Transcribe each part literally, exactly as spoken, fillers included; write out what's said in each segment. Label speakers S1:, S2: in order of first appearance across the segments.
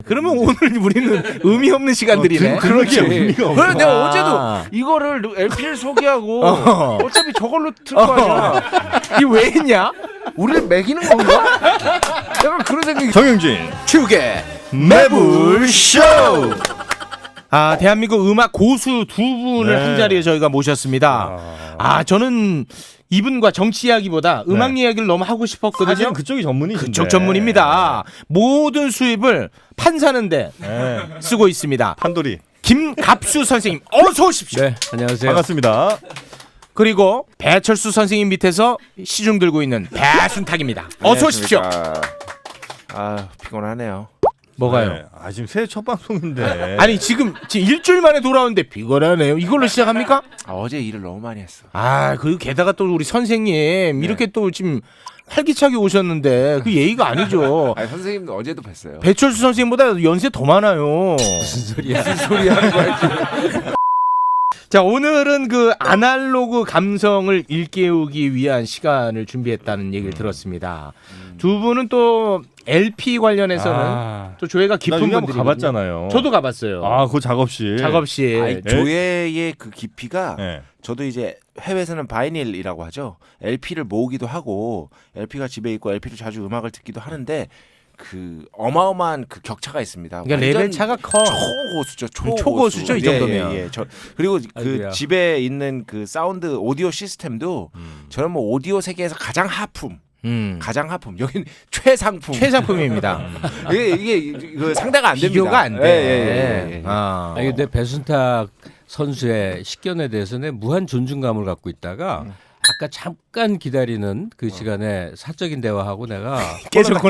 S1: 그러면 오늘 우리는 의미 없는 시간들이네.
S2: 어, 그렇게 의미가 없어.
S3: 그래 내가 어제도 이거를 엘피를 소개하고
S1: 어.
S3: 어차피 저걸로 틀 거 아니야.
S1: 이 왜 했냐?
S3: 우리를 매기는 건가? 약간 그런 생각이.
S2: 정영진
S1: 축의
S2: 매불쇼.
S1: 아 대한민국 음악 고수 두 분을
S2: 네.
S1: 한 자리에 저희가 모셨습니다. 아 저는 이분과 정치 이야기보다 음악
S2: 네.
S1: 이야기를 너무 하고 싶었거든요.
S2: 사실은 그쪽이 전문이신데.
S1: 그쪽 전문입니다. 모든 수입을 판 사는데
S2: 네.
S1: 쓰고 있습니다.
S2: 판돌이.
S1: 김갑수 선생님 어서 오십시오.
S4: 네, 안녕하세요.
S2: 반갑습니다.
S1: 그리고 배철수 선생님 밑에서 시중 들고 있는 배순탁입니다. 어서 오십시오.
S3: 아 피곤하네요.
S1: 뭐가요?
S2: 네. 아 지금 새해 첫 방송인데.
S1: 아니 지금 지금 일주일 만에 돌아오는데 비거라네요. 이걸로 시작합니까?
S3: 아, 어제 일을 너무 많이 했어.
S1: 아, 그리고 게다가 또 우리 선생님 이렇게 또 지금 활기차게 오셨는데 그 예의가 아니죠.
S3: 아 선생님도 어제도 뵀어요.
S1: 배철수 선생님보다 연세 더 많아요.
S4: 무슨 소리야?
S3: 무슨 소리 하는 거야 지금.
S1: 자, 오늘은 그 아날로그 감성을 일깨우기 위한 시간을 준비했다는 얘기를 들었습니다. 두 분은 또 엘피 관련해서는
S2: 아.
S1: 또 조예가
S2: 나
S1: 깊은
S2: 여기 한번
S1: 분들이
S2: 가봤잖아요.
S1: 저도 가봤어요.
S2: 아, 그 작업실.
S1: 작업실.
S3: 아니, 조예의 그 깊이가
S2: 네.
S3: 저도 이제 해외에서는 바이닐이라고 하죠. 엘피를 모으기도 하고 엘피가 집에 있고 엘피를 자주 음악을 듣기도 하는데 그 어마어마한 그 격차가 있습니다.
S1: 그러니까 레벨 차가 커.
S3: 초고수죠. 초고수.
S1: 초고수죠, 이 정도면.
S3: 예, 예, 예. 저 그리고 그
S4: 아이고야.
S3: 집에 있는 그 사운드 오디오 시스템도 저는 뭐 오디오 세계에서 가장 하품.
S1: 음.
S3: 가장 하품. 여기는 최상품.
S1: 최상품입니다.
S3: 이게 이게 그 상대가 안 됩니다.
S1: 비교가 안 돼.
S3: 예, 예, 예, 예.
S1: 아.
S4: 아니 근데 배순탁 선수의 식견에 대해서는 무한 존중감을 갖고 있다가 아까 잠깐 기다리는 그 시간에 사적인 대화하고 내가
S1: 깨졌구나.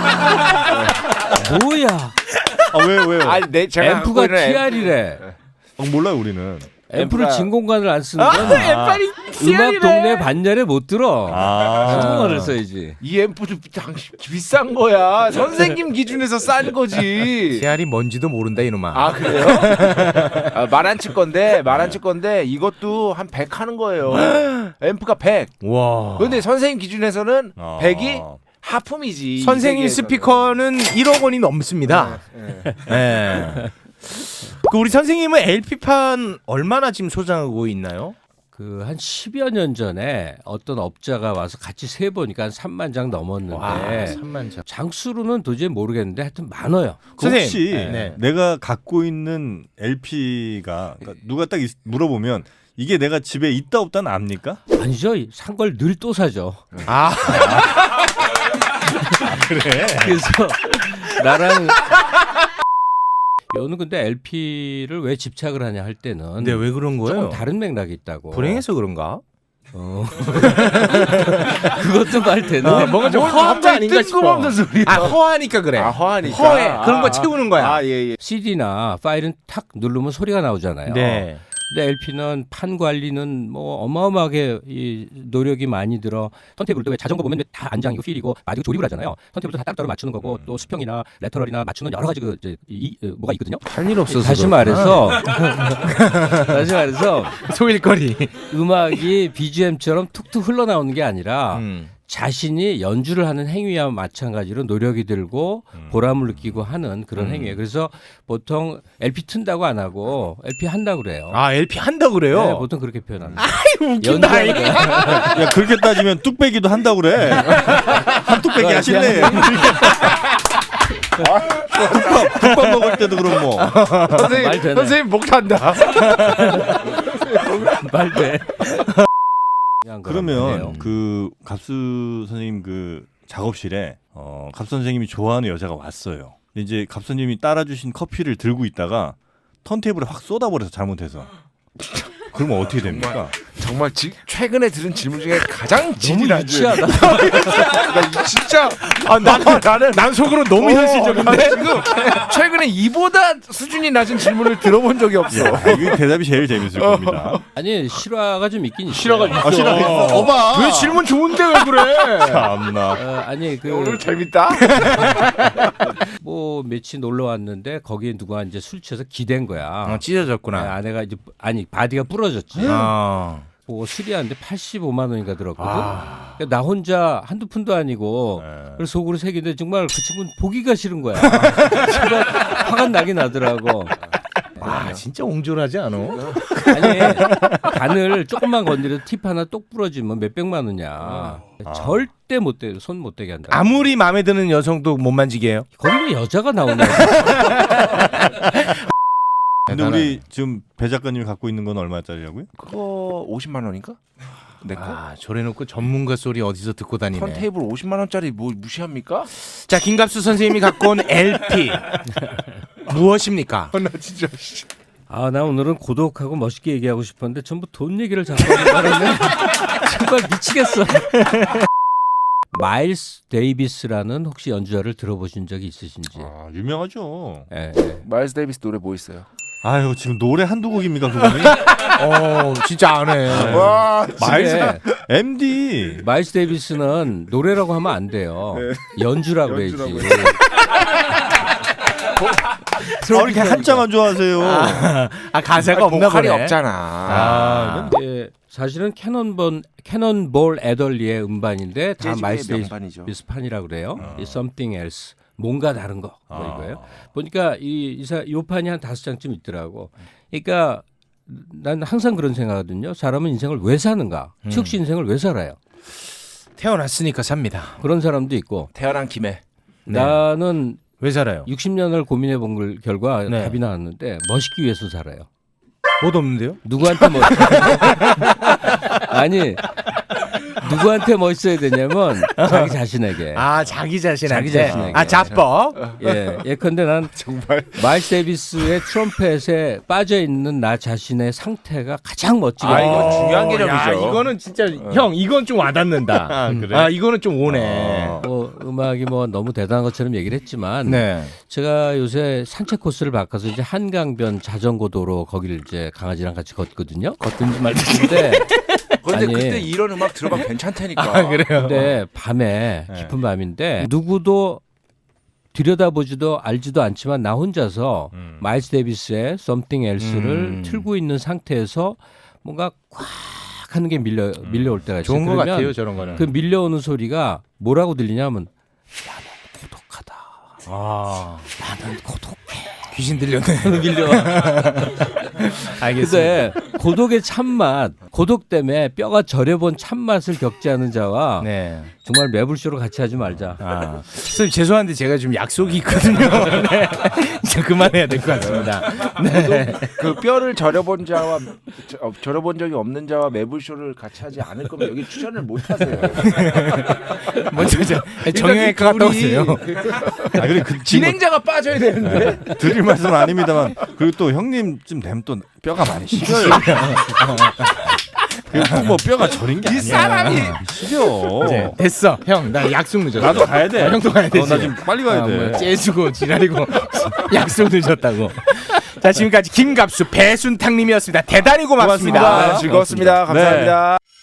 S4: 뭐야?
S2: 아, 왜요, 왜요?
S3: 아니, 내 제가 갖고
S4: 앰프가
S3: 있는 앰프-
S4: 티알이래.
S2: 어, 몰라요, 우리는.
S4: 앰프를
S3: 앰프가-
S4: 진 공간을 안 쓰는 건
S1: 엠빨이
S4: 음악 동네 반열에 못 들어.
S2: 아.
S4: 한국어를 써야지.
S3: 이 앰프도 당신 비싼 거야. 선생님 기준에서 싼 거지.
S1: 씨알이 뭔지도 모른다 이놈아.
S3: 아 그래요? 아, 말 안 칠 건데 말 안 칠 건데 이것도 한 백 하는 거예요. 앰프가 백.
S1: 와.
S3: 근데 선생님 기준에서는
S2: 아.
S3: 백이 하품이지.
S1: 선생님
S3: 이 세계에서는.
S1: 스피커는 일억 원이 넘습니다.
S3: 네.
S1: 네. 그 우리 선생님은 엘피판 얼마나 지금 소장하고 있나요?
S4: 그 한 십여 년 전에 어떤 업자가 와서 같이 세 보니까 한 삼만 장 넘었는데
S1: 와, 삼만 장.
S4: 장수로는 도저히 모르겠는데 하여튼 많아요.
S2: 그 혹시
S1: 선생님, 네.
S2: 내가 갖고 있는 엘피가 그러니까 누가 딱 있- 물어보면 이게 내가 집에 있다 없다는 압니까?
S4: 아니죠. 산 걸 늘 또 사죠.
S1: 아,
S2: 그래.
S4: 그래서 나랑 여는 근데 엘피를 왜 집착을 하냐 할 때는
S1: 근데 왜 그런 거예요?
S4: 조금 다른 맥락이 있다고.
S1: 불행해서 그런가?
S4: 어. 그것도 말 되네.
S1: 어, 뭔가 좀 허한 거 아닌가 싶어.
S3: 뜬금없는 소리야.
S1: 아, 허하니까 그래.
S3: 아 허하니까.
S1: 허해. 그런 거
S3: 아,
S1: 채우는 거야.
S3: 아 예예.
S4: 씨디나 파일은 탁 누르면 소리가 나오잖아요.
S1: 네.
S4: 근데 엘피는 판 관리는 뭐 어마어마하게 이 노력이 많이 들어. 턴테이블도 왜 자전거 보면 다 안장이고 휠이고 마디고 조립을 하잖아요. 턴테이블도 다 따로따로 맞추는 거고 또 수평이나 레터럴이나 맞추는 여러 가지 그 이제 이, 이, 뭐가 있거든요.
S1: 할 일 없어서.
S4: 다시 말해서 다시 말해서
S1: 소일거리.
S4: 음악이 비지엠처럼 툭툭 흘러나오는 게 아니라
S1: 음.
S4: 자신이 연주를 하는 행위와 마찬가지로 노력이 들고 보람을 느끼고 하는 그런 행위예요. 그래서 보통 엘피 튼다고 안 하고 엘피 한다고 그래요.
S1: 아, 엘피 한다 그래요?
S4: 네, 보통 그렇게 표현합니다.
S1: 웃긴다.
S4: 연주하는
S2: 야, 그렇게 따지면 뚝배기도 한다고 그래. 한 뚝배기 하실래? 국밥, 국밥 먹을 때도 그럼 뭐.
S4: 말
S3: 선생님
S4: 되네.
S3: 선생님 목 탄다.
S4: 말돼.
S2: 그러면 그 갑수 선생님 그 작업실에 어, 갑 선생님이 좋아하는 여자가 왔어요. 근데 이제 갑 선생님이 따라주신 커피를 들고 있다가 턴테이블에 확 쏟아버려서 잘못해서. 그러면 어떻게 됩니까?
S3: 정말 지, 최근에 들은 질문 중에 가장 질이
S4: 너무
S3: 낮은.
S4: 유치하다.
S3: 나 이- 진짜
S1: 아, 난, 나는 난 속으로 너무 현실적인데.
S3: 나 지금 최근에 이보다 수준이 낮은 질문을 들어본 적이 없어.
S2: 아, 이거 대답이 제일 재밌을 겁니다.
S4: 아니 실화가 좀 있긴 있어요.
S1: 실화가 있어.
S2: 아, 실화 있어.
S1: 거봐. 왜 질문 좋은데 왜 그래?
S2: 참나.
S4: 어, 아니 그
S3: 오늘 재밌다.
S4: 뭐 며칠 놀러 왔는데 거기에 누가 이제 술 취해서 기댄 거야.
S1: 어, 찢어졌구나.
S4: 네, 아내가 이제 아니 바디가 부러졌지.
S1: 아.
S4: 보고 수리하는데 팔십오만 원인가 들었거든.
S1: 아.
S4: 그러니까 나 혼자 한두 푼도 아니고
S2: 네.
S4: 그래서 속으로 새기는데 정말 그 친구는 보기가 싫은 거야. 정말 화가 나긴 나더라고.
S1: 아 진짜 옹졸하지 않아?
S4: 아니 간을 조금만 건드려도 팁 하나 똑 부러지면 몇 백만 원이야.
S2: 아.
S4: 절대 못 대, 손 못 대게 한다.
S1: 아무리 마음에 드는 여성도 못 만지게 해요?
S4: 거기 왜 여자가 나오냐?
S2: 근데 우리 지금 배 작가님이 갖고 있는 건 얼마짜리라고요?
S3: 그거 오십만 원인가? 내 거?
S1: 아 저래놓고 전문가 소리 어디서 듣고 다니네.
S3: 턴테이블 오십만 원짜리 뭐 무시합니까?
S1: 자 김갑수 선생님이 갖고 온 엘피 무엇입니까?
S3: 나 진짜
S4: 아, 나 오늘은 고독하고 멋있게 얘기하고 싶었는데 전부 돈 얘기를 자꾸 하는 바람에 정말 미치겠어. 마일스 데이비스라는 혹시 연주자를 들어보신 적이 있으신지?
S2: 아 유명하죠.
S4: 예, 예.
S3: 마일스 데이비스 노래 뭐 있어요?
S2: 아유 지금 노래 한두 곡입니까 그분이?
S1: 어 진짜 안 해.
S3: 와
S2: 마일스
S4: 근데
S2: 엠디.
S4: 마일스 데이비스는 노래라고 하면 안 돼요. 연주라고 해야지.
S3: 연주라고
S2: 아, 이렇게 한자만 좋아하세요.
S1: 아, 아 가사가 없나
S3: 보컬이
S1: 보네.
S3: 없잖아.
S1: 아,
S4: 예, 사실은 캐논본 캐논볼 애덜리의 음반인데 다
S3: 재즈의
S4: 마일스
S3: 명반이죠.
S4: 데이비스 판이라고 그래요. 이 Something Else 뭔가 다른 거 뭐
S2: 아.
S4: 이거예요. 보니까 이 이사 요 판이 한 다섯 장쯤 있더라고. 그러니까 난 항상 그런 생각하거든요. 사람은 인생을 왜 사는가?
S1: 음.
S4: 최욱 씨 인생을 왜 살아요?
S1: 태어났으니까 삽니다.
S4: 그런 사람도 있고
S3: 태어난 김에
S1: 네.
S4: 나는
S1: 왜 살아요?
S4: 육십 년을 고민해 본 걸- 결과
S1: 네.
S4: 답이 나왔는데 멋있기 위해서 살아요.
S1: 못 없는데요?
S4: 누구한테 멋 아니 누구한테 멋있어야 되냐면 자기 자신에게.
S1: 아 자기 자신한테.
S4: 자기 자신에게.
S1: 아 자뻑.
S4: 예, 예컨대 난
S3: 정말
S4: 마일스 데이비스의 트럼펫에 빠져 있는 나 자신의 상태가 가장 멋지게.
S3: 아, 이거
S4: 보여요.
S3: 중요한
S1: 야,
S3: 개념이죠.
S1: 이거는 진짜 형 이건 좀 와닿는다.
S2: 아, 그래?
S1: 아 이거는 좀 오네.
S2: 어.
S4: 뭐 음악이 뭐 너무 대단한 것처럼 얘기를 했지만
S1: 네.
S4: 제가 요새 산책 코스를 바꿔서 이제 한강변 자전거 도로 거기를 이제 강아지랑 같이 걷거든요. 걷든지 말든지인데
S3: 그런데
S4: 아니.
S3: 그때 이런 음악 들어가면 괜찮다니까.
S1: 아 그래요.
S4: 근데 밤에
S2: 네.
S4: 깊은 밤인데 누구도 들여다보지도 알지도 않지만 나 혼자서
S2: 음.
S4: 마일스 데이비스의 Something Else를
S1: 음.
S4: 틀고 있는 상태에서 뭔가 꽉 하는 게 밀려 밀려올 때가 있어요.
S1: 좋은 것
S4: 그러면
S1: 같아요 저런 거는.
S4: 그 밀려오는 소리가 뭐라고 들리냐면 나는 고독하다.
S1: 아
S4: 나는 고독해.
S1: 귀신 들렸네.
S4: 밀려.
S1: 알겠습니다.
S4: 근데 고독의 참맛, 고독 때문에 뼈가 저려본 참맛을 겪지 않은 자와
S1: 네.
S4: 정말 매불쇼로 같이 하지 말자.
S1: 아 선생님 죄송한데 제가 지금 약속이 있거든요. 네. 이제 그만해야 될 것 같습니다. 네.
S3: 그 뼈를 절여본 자와 저- 어, 절여본 적이 없는 자와 매불쇼를 같이 하지 않을 거면 여기 출연을 못 하세요.
S1: 먼저 저 정형외과 갔다 오세요.
S2: 아 그래 그 진행
S3: 진행자가 빠져야 되는데.
S2: 드릴 말씀은 아닙니다만 그리고 또 형님쯤 되면 또 뼈가 많이 시려요. 그뭐 뼈가 저린 게 아니야.
S3: 사람이
S2: 시려.
S1: 이제 됐어. 형 나 약속 늦었어.
S2: 나도 가야 돼.
S1: 아, 형도 가야 되지.
S2: 어, 나 지금 빨리 가야
S1: 아,
S2: 돼.
S1: 뭐 째주고 지랄이고 약속 늦었다고. 자 지금까지 김갑수 배순탁님이었습니다. 대단히 고맙습니다.
S2: 고맙습니다.
S3: 즐거웠습니다. 감사합니다.